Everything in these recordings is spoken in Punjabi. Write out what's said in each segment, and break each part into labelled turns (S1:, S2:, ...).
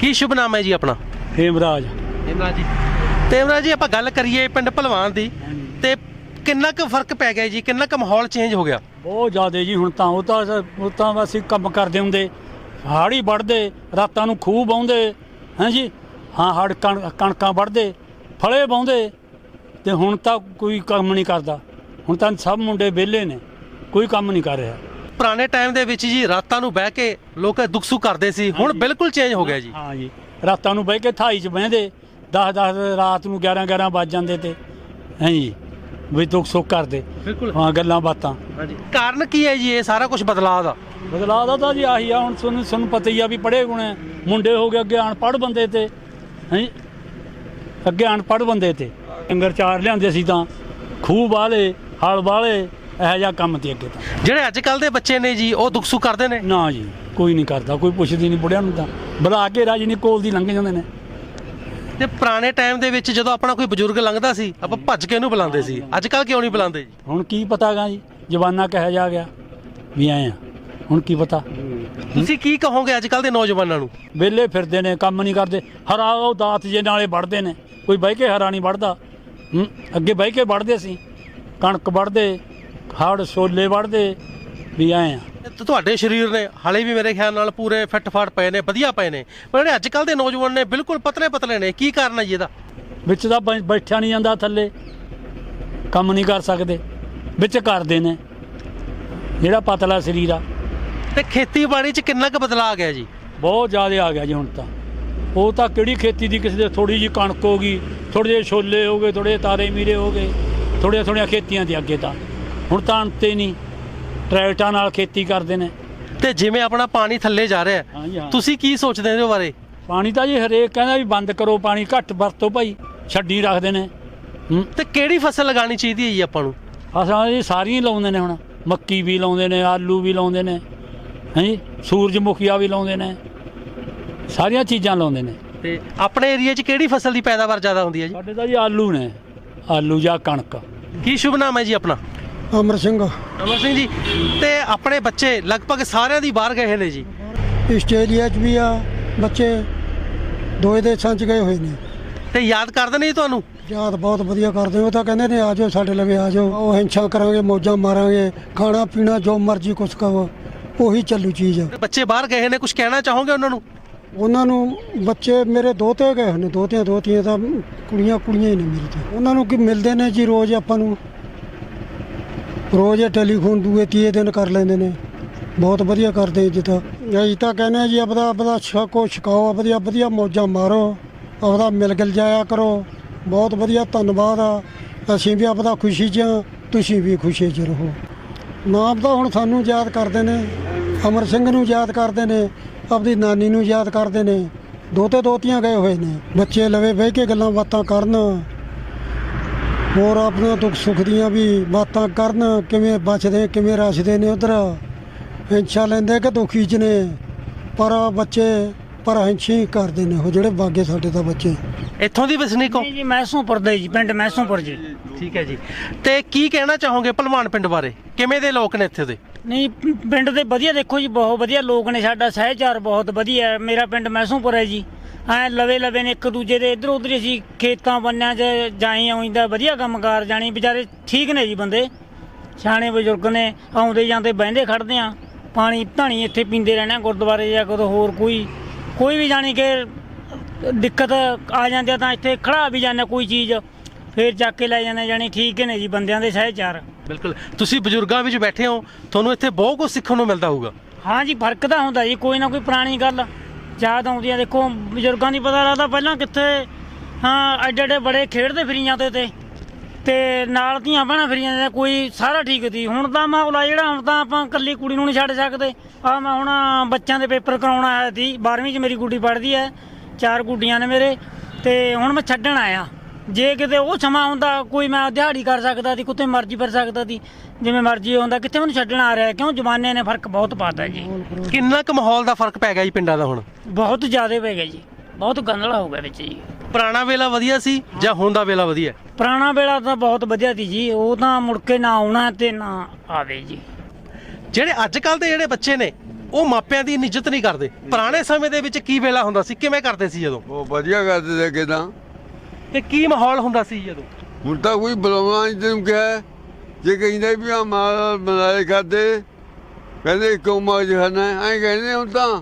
S1: ਕੀ ਸ਼ੁਭ ਨਾਮ ਹੈ ਜੀ ਆਪਣਾ?
S2: हेमराज
S1: हेमराज जी। ਤੇ हेमराज ਜੀ ਆਪਾਂ ਗੱਲ ਕਰੀਏ ਪਿੰਡ ਭਲਵਾਨ ਦੀ ਤੇ ਕਿੰਨਾ ਕੁ ਫਰਕ ਪੈ ਗਿਆ ਜੀ, ਕਿੰਨਾ ਕੁ ਮਾਹੌਲ ਚੇਂਜ ਹੋ ਗਿਆ?
S2: बहुत ज़्यादा जी। हुण तां ਅਸੀਂ ਕੰਮ ਕਰਦੇ ਹੁੰਦੇ, ਹਾੜੀ ਵੱਢਦੇ, ਰਾਤਾਂ ਨੂੰ ਖੂਹ ਬਾਉਂਦੇ ਹੈਂ ਜੀ। ਹਾਂ ਹੜ ਕਣਕਾਂ ਵੱਢਦੇ, ਫਲੇ ਬਾਉਂਦੇ, ਤੇ ਹੁਣ ਤਾਂ ਕੋਈ ਕੰਮ ਨਹੀਂ ਕਰਦਾ। ਹੁਣ ਤਾਂ ਸਭ ਮੁੰਡੇ ਵਿਹਲੇ ਨੇ, ਕੋਈ ਕੰਮ ਨਹੀਂ ਕਰ ਰਿਹਾ।
S1: ਪੁਰਾਣੇ ਟਾਈਮ ਦੇ ਵਿੱਚ ਜੀ ਰਾਤਾਂ ਨੂੰ ਬਹਿ ਕੇ ਲੋਕ ਦੁੱਖ ਸੁੱਖ ਕਰਦੇ ਸੀ, ਹੁਣ ਬਿਲਕੁਲ ਚੇਂਜ ਹੋ ਗਿਆ ਜੀ।
S2: ਹਾਂ ਜੀ, ਰਾਤਾਂ ਨੂੰ ਬਹਿ ਕੇ ਥਾਈ 'ਚ ਬਹਿੰਦੇ, 10 ਰਾਤ ਨੂੰ 11 ਵੱਜ ਜਾਂਦੇ ਤੇ ਹੈਂ ਜੀ, ਵੀ ਦੁੱਖ ਸੁੱਖ ਕਰਦੇ।
S1: ਬਿਲਕੁਲ
S2: ਹਾਂ, ਗੱਲਾਂ ਬਾਤਾਂ।
S1: ਹਾਂਜੀ, ਕਾਰਨ ਕੀ ਹੈ ਜੀ ਇਹ ਸਾਰਾ ਕੁਝ ਬਦਲਾਅ ਦਾ?
S2: ਬਦਲਾਅ ਦਾ ਤਾਂ ਜੀ ਆਹੀ ਆ। ਹੁਣ ਤੁਹਾਨੂੰ ਪਤਾ ਹੀ ਆ ਵੀ ਪੜ੍ਹੇ ਗੁਣੇ ਮੁੰਡੇ ਹੋ ਗਏ, ਅੱਗੇ ਅਨਪੜ੍ਹ ਬੰਦੇ ਤੇ ਹੈਂ, ਅੱਗੇ ਅਨਪੜ੍ਹ ਬੰਦੇ ਤੇ ਡੰਗਰ ਚਾਰ ਲਿਆਂਦੇ ਸੀ ਤਾਂ ਖੂਹ ਵਾਲੇ, ਹਲ ਵਾਲੇ, ਇਹੋ ਜਿਹਾ ਕੰਮ ਤੇ ਅੱਗੇ ਤਾਂ।
S1: ਜਿਹੜੇ ਅੱਜ ਕੱਲ ਦੇ ਬੱਚੇ ਨੇ ਜੀ ਉਹ ਦੁੱਖ ਸੁੱਖ ਕਰਦੇ ਨੇ?
S2: ਨਾ ਜੀ, ਕੋਈ ਨਹੀਂ ਕਰਦਾ, ਕੋਈ ਪੁੱਛਦੀ ਨਹੀਂ ਬੁੜਿਆਂ ਨੂੰ, ਤਾਂ ਬੁਲਾ ਕੇ ਰਾਜੀ ਨਹੀਂ, ਕੋਲ ਦੀ ਲੰਘ ਜਾਂਦੇ ਨੇ।
S1: ਤੇ ਪੁਰਾਣੇ ਟਾਈਮ ਦੇ ਵਿੱਚ ਜਦੋਂ ਆਪਣਾ ਕੋਈ ਬਜ਼ੁਰਗ ਲੰਘਦਾ ਸੀ ਆਪਾਂ ਭੱਜ ਕੇ ਉਹਨੂੰ ਬੁਲਾਉਂਦੇ ਸੀ, ਅੱਜ ਕੱਲ ਕਿਉਂ ਨਹੀਂ ਬੁਲਾਉਂਦੇ ਜੀ?
S2: ਹੁਣ ਕੀ ਪਤਾ ਗਾ ਜੀ, ਜਵਾਨਾ ਕਿਹੋ ਜਿਹਾ ਗਿਆ ਵੀ ਆਏ ਆ, ਹੁਣ ਕੀ ਪਤਾ।
S1: ਤੁਸੀਂ ਕੀ ਕਹੋਗੇ ਅੱਜ ਕੱਲ ਦੇ ਨੌਜਵਾਨਾਂ ਨੂੰ?
S2: ਵਿਹਲੇ ਫਿਰਦੇ ਨੇ, ਕੰਮ ਨਹੀਂ ਕਰਦੇ। ਹਰਾ ਉਹ ਦਾਤ ਜੇ ਨਾਲੇ ਵੱਢਦੇ ਨੇ, ਕੋਈ ਬਹਿ ਕੇ ਹਰਾ ਨਹੀਂ ਵੱਢਦਾ। ਅੱਗੇ ਬਹਿ ਕੇ ਵੱਢਦੇ ਸੀ, ਕਣਕ ਵੱਢਦੇ, ਹੜ ਛੋਲੇ ਵੱਢਦੇ, ਵੀ ਆਏ ਆ।
S1: ਤੇ ਤੁਹਾਡੇ ਸਰੀਰ ਨੇ ਹਾਲੇ ਵੀ ਮੇਰੇ ਖਿਆਲ ਨਾਲ ਪੂਰੇ ਫਿੱਟ ਫਾਟ ਪਏ ਨੇ, ਵਧੀਆ ਪਏ ਨੇ, ਪਰ ਜਿਹੜੇ ਅੱਜ ਕੱਲ ਦੇ ਨੌਜਵਾਨ ਨੇ ਬਿਲਕੁਲ ਪਤਲੇ ਪਤਲੇ ਨੇ, ਕੀ ਕਾਰਨ ਹੈ ਜੀ ਇਹਦਾ?
S2: ਵਿੱਚ ਤਾਂ ਬੈਠਿਆ ਨਹੀਂ ਜਾਂਦਾ, ਥੱਲੇ ਕੰਮ ਨਹੀਂ ਕਰ ਸਕਦੇ, ਵਿੱਚ ਕਰਦੇ ਨੇ ਜਿਹੜਾ ਪਤਲਾ ਸਰੀਰ ਆ।
S1: ਤੇ ਖੇਤੀਬਾੜੀ 'ਚ ਕਿੰਨਾ ਕੁ ਬਦਲਾਅ ਆ ਗਿਆ ਜੀ?
S2: ਬਹੁਤ ਜ਼ਿਆਦਾ ਆ ਗਿਆ ਜੀ ਹੁਣ ਤਾਂ। ਉਹ ਤਾਂ ਕਿਹੜੀ ਖੇਤੀ ਦੀ, ਕਿਸੇ ਦੇ ਥੋੜੀ ਜਿਹੀ ਕਣਕ ਹੋ ਗਈ, ਥੋੜ੍ਹੇ ਜਿਹੇ ਛੋਲੇ ਹੋ ਗਏ, ਥੋੜ੍ਹੇ ਜਿਹੇ ਤਾਰੇ ਮੀਰੇ ਹੋ ਗਏ, ਥੋੜ੍ਹੀਆਂ ਖੇਤੀਆਂ ਤੇ ਅੱਗੇ ਤਾਂ ਹੁਣ ਤਾਂ ਅੰਤੇ ਨਹੀਂ, ਟਰੈਕਟਰਾਂ ਨਾਲ ਖੇਤੀ ਕਰਦੇ ਨੇ।
S1: ਤੇ ਜਿਵੇਂ ਆਪਣਾ ਪਾਣੀ ਥੱਲੇ ਜਾ ਰਿਹਾ
S2: ਹਾਂ ਜੀ, ਹਾਂ।
S1: ਤੁਸੀਂ ਕੀ ਸੋਚਦੇ ਹੋ ਇਹਦੇ ਬਾਰੇ?
S2: ਪਾਣੀ ਤਾਂ ਜੀ ਹਰੇਕ ਕਹਿੰਦਾ ਵੀ ਬੰਦ ਕਰੋ, ਪਾਣੀ ਘੱਟ ਵਰਤੋ ਭਾਈ, ਛੱਡੀ ਰੱਖਦੇ ਨੇ।
S1: ਤੇ ਕਿਹੜੀ ਫਸਲ ਲਗਾਉਣੀ ਚਾਹੀਦੀ ਹੈ ਜੀ ਆਪਾਂ ਨੂੰ?
S2: ਅਸਾਂ ਜੀ ਸਾਰੀਆਂ ਹੀ ਲਾਉਂਦੇ ਨੇ, ਹੁਣ ਮੱਕੀ ਵੀ ਲਾਉਂਦੇ ਨੇ, ਆਲੂ ਵੀ ਲਾਉਂਦੇ ਨੇ ਹੈਂ ਜੀ, ਸੂਰਜਮੁਖੀਆ ਵੀ ਲਾਉਂਦੇ ਨੇ, ਸਾਰੀਆਂ ਚੀਜ਼ਾਂ ਲਾਉਂਦੇ ਨੇ।
S1: ਤੇ ਆਪਣੇ ਏਰੀਆ 'ਚ ਕਿਹੜੀ ਫਸਲ ਦੀ ਪੈਦਾਵਾਰ ਜ਼ਿਆਦਾ ਹੁੰਦੀ ਹੈ ਜੀ?
S2: ਸਾਡੇ ਤਾਂ ਜੀ ਆਲੂ ਨੇ, ਆਲੂ ਜਾਂ ਕਣਕ।
S1: ਕੀ ਸ਼ੁਭ ਨਾਮ ਹੈ ਜੀ ਆਪਣਾ?
S3: ਅਮਰ ਸਿੰਘ।
S1: ਅਮਰ ਸਿੰਘ ਜੀ, ਤੇ ਆਪਣੇ ਬੱਚੇ ਲਗਭਗ ਸਾਰਿਆਂ ਦੀ ਬਾਹਰ ਗਏ ਨੇ ਜੀ।
S3: ਆਸਟ੍ਰੇਲੀਆ 'ਚ ਵੀ ਆ ਬੱਚੇ, ਦੋਏ ਦੇਸ਼ਾਂ 'ਚ ਗਏ ਹੋਏ ਨੇ।
S1: ਤੇ ਯਾਦ ਕਰਦੇ ਨੇ ਜੀ ਤੁਹਾਨੂੰ?
S3: ਯਾਦ ਬਹੁਤ ਵਧੀਆ ਕਰਦੇ। ਉਹ ਤਾਂ ਕਹਿੰਦੇ ਨੇ ਆ ਜਾਓ ਸਾਡੇ ਲਵੇ, ਆ ਜਾਓ, ਉਹ ਹਿੰਸਾ ਕਰਾਂਗੇ, ਮੌਜਾਂ ਮਾਰਾਂਗੇ, ਖਾਣਾ ਪੀਣਾ ਜੋ ਮਰਜ਼ੀ ਕੁਛ ਕਹੋ, ਉਹੀ ਚੱਲੂ ਚੀਜ਼।
S1: ਬੱਚੇ ਬਾਹਰ ਗਏ ਨੇ, ਕੁਝ ਕਹਿਣਾ ਚਾਹੋਗੇ ਉਹਨਾਂ ਨੂੰ?
S3: ਉਹਨਾਂ ਨੂੰ ਬੱਚੇ ਮੇਰੇ ਦੋਤੇ ਗਏ ਹੋਏ ਨੇ, ਦੋਤੀਆਂ ਤਾਂ ਕੁੜੀਆਂ ਹੀ ਨੇ ਮੇਰੇ ਤਾਂ। ਉਹਨਾਂ ਨੂੰ ਕੀ ਮਿਲਦੇ ਨੇ ਜੀ ਰੋਜ਼, ਆਪਾਂ ਨੂੰ ਰੋਜ਼ ਟੈਲੀਫੋਨ ਦੂਏ ਤੀਏ ਦਿਨ ਕਰ ਲੈਂਦੇ ਨੇ। ਬਹੁਤ ਵਧੀਆ ਕਰਦੇ ਜਿੱਦਾਂ। ਅਸੀਂ ਤਾਂ ਕਹਿੰਦੇ ਜੀ ਆਪਦਾ ਛਕੋ ਛਕਾਓ, ਵਧੀਆ ਮੌਜਾਂ ਮਾਰੋ, ਆਪਦਾ ਮਿਲ ਗਿਲ ਜਾਇਆ ਕਰੋ। ਬਹੁਤ ਵਧੀਆ, ਧੰਨਵਾਦ ਆ। ਅਸੀਂ ਵੀ ਆਪਦਾ ਖੁਸ਼ੀ 'ਚ, ਤੁਸੀਂ ਵੀ ਖੁਸ਼ੀ 'ਚ ਰਹੋ। ਨਾਮ ਤਾਂ ਹੁਣ ਸਾਨੂੰ ਯਾਦ ਕਰਦੇ ਨੇ, ਅਮਰ ਸਿੰਘ ਨੂੰ ਯਾਦ ਕਰਦੇ ਨੇ, ਆਪਦੀ ਨਾਨੀ ਨੂੰ ਯਾਦ ਕਰਦੇ ਨੇ। ਦੋਤੇ ਦੋਤੀਆਂ ਗਏ ਹੋਏ ਨੇ, ਬੱਚੇ ਲਵੇ ਬਹਿ ਕੇ ਗੱਲਾਂ ਬਾਤਾਂ ਕਰਨ, ਹੋਰ ਆਪਣਾ ਦੁੱਖ ਸੁੱਖ ਦੀਆਂ ਵੀ ਬਾਤਾਂ ਕਰਨ, ਕਿਵੇਂ ਬਚਦੇ ਕਿਵੇਂ ਰਸਦੇ ਨੇ ਉਧਰ, ਹਿੰਸਾ ਲੈਂਦੇ ਕਿ ਦੁਖੀ 'ਚ ਨੇ। ਪਰ ਬੱਚੇ ਪਰ ਹਿੰਸੀ ਕਰਦੇ ਨੇ ਉਹ ਜਿਹੜੇ ਬਾਗੇ ਸਾਡੇ ਤਾਂ ਬੱਚੇ।
S1: ਇੱਥੋਂ ਦੀ ਵਸਨੀਕ ਹੋ?
S4: ਜੀ ਮੈਸੋਂਪੁਰ ਦੇ ਜੀ, ਪਿੰਡ ਮੈਸੋਂਪੁਰ ਜੀ।
S1: ਠੀਕ ਹੈ ਜੀ। ਤੇ ਕੀ ਕਹਿਣਾ ਚਾਹੋਗੇ ਭਲਵਾਨ ਪਿੰਡ ਬਾਰੇ? ਕਿਵੇਂ ਦੇ ਲੋਕ ਨੇ ਇੱਥੇ ਦੇ?
S4: ਨਹੀਂ, ਪਿੰਡ ਦੇ ਵਧੀਆ, ਦੇਖੋ ਜੀ ਬਹੁਤ ਵਧੀਆ ਲੋਕ ਨੇ, ਸਾਡਾ ਸਹਿਚਾਰ ਬਹੁਤ ਵਧੀਆ ਹੈ। ਮੇਰਾ ਪਿੰਡ ਮੈਸੋਂਪੁਰ ਹੈ ਜੀ। ਐਂ ਲਵੇ ਨੇ ਇੱਕ ਦੂਜੇ ਦੇ, ਇੱਧਰ ਉੱਧਰ ਅਸੀਂ ਖੇਤਾਂ ਬੰਨਿਆਂ 'ਚ ਜਾਈ ਆਉਂਦਾ, ਵਧੀਆ ਕੰਮਕਾਰ ਜਾਣੀ, ਵਿਚਾਰੇ ਠੀਕ ਨੇ ਜੀ ਬੰਦੇ, ਸਿਆਣੇ ਬਜ਼ੁਰਗ ਨੇ, ਆਉਂਦੇ ਜਾਂਦੇ ਬਹਿੰਦੇ ਖੜਦੇ ਆ, ਪਾਣੀ ਧਾਣੀ ਇੱਥੇ ਪੀਂਦੇ ਰਹਿਣਾ ਗੁਰਦੁਆਰੇ ਜਾਂ ਕਦੋਂ ਹੋਰ ਕੋਈ ਵੀ ਜਾਣੀ ਕਿ ਦਿੱਕਤ ਆ ਜਾਂਦੀ ਆ ਤਾਂ ਇੱਥੇ ਖੜਾ ਵੀ ਜਾਂਦੇ, ਕੋਈ ਚੀਜ਼ ਫੇਰ ਚੱਕ ਕੇ ਲੈ ਜਾਂਦੇ, ਜਾਣੀ ਠੀਕ ਨੇ ਜੀ ਬੰਦਿਆਂ ਦੇ ਸਹਿਚਾਰ।
S1: ਬਿਲਕੁਲ। ਤੁਸੀਂ ਬਜ਼ੁਰਗਾਂ ਵਿੱਚ ਬੈਠੇ ਹੋ, ਤੁਹਾਨੂੰ ਇੱਥੇ ਬਹੁਤ ਕੁਝ ਸਿੱਖਣ ਨੂੰ ਮਿਲਦਾ ਹੋਊਗਾ।
S4: ਹਾਂ ਜੀ, ਫਰਕ ਤਾਂ ਹੁੰਦਾ ਜੀ, ਕੋਈ ਨਾ ਕੋਈ ਪੁਰਾਣੀ ਗੱਲ ਯਾਦ ਆਉਂਦੀ ਆ। ਦੇਖੋ ਬਜ਼ੁਰਗਾਂ ਦੀ ਪਤਾ ਲੱਗਦਾ ਪਹਿਲਾਂ ਕਿੱਥੇ, ਹਾਂ ਐਡੇ ਬੜੇ ਖੇਡਦੇ ਫਿਰੀ ਜਾਂਦੇ ਤੇ ਨਾਲ ਧੀਆਂ ਭੈਣਾਂ ਫਿਰੀ ਜਾਂਦੇ, ਕੋਈ ਸਾਰਾ ਠੀਕ ਸੀ। ਹੁਣ ਤਾਂ ਮਾਹੌਲ ਆ ਜਿਹੜਾ, ਹੁਣ ਤਾਂ ਆਪਾਂ ਇਕੱਲੀ ਕੁੜੀ ਨੂੰ ਨਹੀਂ ਛੱਡ ਸਕਦੇ। ਆ ਮੈਂ ਹੁਣ ਬੱਚਿਆਂ ਦੇ ਪੇਪਰ ਕਰਾਉਣ ਆਇਆ ਸੀ, 12ਵੀਂ 'ਚ ਮੇਰੀ ਗੁੱਡੀ ਪੜ੍ਹਦੀ ਹੈ, 4 ਗੁੱਡੀਆਂ ਨੇ ਮੇਰੇ, ਤੇ ਹੁਣ ਮੈਂ ਛੱਡਣ ਆਇਆ। ਜੇ ਕਿਤੇ ਉਹ ਸਮਾਂ ਹੁੰਦਾ, ਕੋਈ ਮੈਂ ਦਿਹਾੜੀ ਕਰ ਸਕਦਾ ਸੀ, ਕਿਤੇ ਮਰਜ਼ੀ ਫਿਰ ਸਕਦਾ ਸੀ, ਜਿਵੇਂ ਮਰਜ਼ੀ ਹੁੰਦਾ, ਕਿੱਥੇ ਮੈਨੂੰ ਛੱਡਣ ਆ ਰਿਹਾ। ਕਿਉਂ ਜ਼ਮਾਨੇ ਨੇ ਫਰਕ ਬਹੁਤ ਪਾਤਾ ਜੀ।
S1: ਕਿੰਨਾ ਕੁ ਮਾਹੌਲ ਦਾ ਫਰਕ ਪੈ ਗਿਆ ਜੀ ਪਿੰਡਾਂ ਦਾ ਹੁਣ?
S4: ਬਹੁਤ ਜ਼ਿਆਦਾ ਪੈ ਗਿਆ ਜੀ, ਬਹੁਤ ਗੰਦਲਾ ਹੋ ਗਿਆ ਵਿੱਚ ਜੀ।
S1: ਪੁਰਾਣਾ ਵੇਲਾ ਵਧੀਆ ਸੀ ਜਾਂ ਹੁਣ ਦਾ ਵੇਲਾ ਵਧੀਆ?
S4: ਪੁਰਾਣਾ ਵੇਲਾ ਤਾਂ ਬਹੁਤ ਵਧੀਆ ਸੀ ਜੀ, ਉਹ ਤਾਂ ਮੁੜ ਕੇ ਨਾ ਆਉਣਾ ਤੇ ਨਾ ਆਵੇ ਜੀ।
S1: ਜਿਹੜੇ ਅੱਜ ਕੱਲ ਦੇ ਜਿਹੜੇ ਬੱਚੇ ਨੇ ਉਹ ਮਾਪਿਆਂ ਦੀ ਇੱਜ਼ਤ ਨਹੀਂ ਕਰਦੇ। ਪੁਰਾਣੇ ਸਮੇਂ ਦੇ ਵਿੱਚ ਕੀ ਵੇਲਾ ਹੁੰਦਾ ਸੀ, ਕਿਵੇਂ ਕਰਦੇ ਸੀ ਜਦੋਂ,
S5: ਉਹ ਵਧੀਆ ਕਰਦੇ ਤੇ ਅੱਗੇ ਤਾਂ।
S1: ਤੇ ਕੀ ਮਾਹੌਲ ਹੁੰਦਾ ਸੀ ਜਦੋਂ?
S5: ਹੁਣ ਤਾਂ ਕੋਈ ਬੁਲਾਉਣਾ ਨਹੀਂ ਤੈਨੂੰ ਕਿਹਾ, ਜੇ ਕਹਿੰਦਾ ਵੀ ਆ ਮਾਲ ਮਨਾਲੇ ਖਾਦੇ ਕਹਿੰਦੇ ਕਿਉਂ ਮੌਜ ਖਾਣਾ ਐਂ ਕਹਿੰਦੇ ਹੁਣ ਤਾਂ।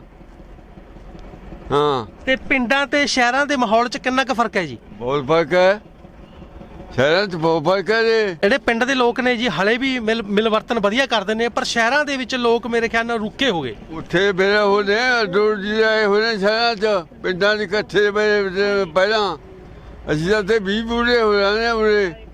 S5: ਹਾਂ
S1: ਤੇ ਪਿੰਡਾਂ ਤੇ ਸ਼ਹਿਰਾਂ ਦੇ ਮਾਹੌਲ 'ਚ ਕਿੰਨਾ ਕੁ ਫਰਕ ਹੈ ਜੀ?
S5: ਬਹੁਤ ਫਰਕ ਹੈ, ਸ਼ਹਿਰਾਂ 'ਚ ਬਹੁਤ ਫਰਕ ਹੈ ਜੀ।
S1: ਜਿਹੜੇ ਪਿੰਡ ਦੇ ਲੋਕ ਨੇ ਜੀ ਹਲੇ ਵੀ ਮਿਲਵਰਤਨ ਵਧੀਆ ਕਰਦੇ ਨੇ, ਪਰ ਸ਼ਹਿਰਾਂ ਦੇ ਵਿੱਚ ਲੋਕ ਮੇਰੇ ਖਿਆਲ ਨਾਲ ਰੁਕੇ ਹੋ ਗਏ।
S5: ਉੱਥੇ ਮੇਰੇ ਹੋਣੇ ਦੂਰ ਜੀ ਆਏ ਹੋਣੇ ਸ਼ਹਿਰਾਂ 'ਚ, ਪਿੰਡਾਂ ਦੇ ਇਕੱਠੇ ਪਹਿਲਾਂ ਅਸੀਂ ਤਾਂ ਤੇ 20 ਬੂੜੇ ਹੋ ਜਾਣੇ ਉਰੇ।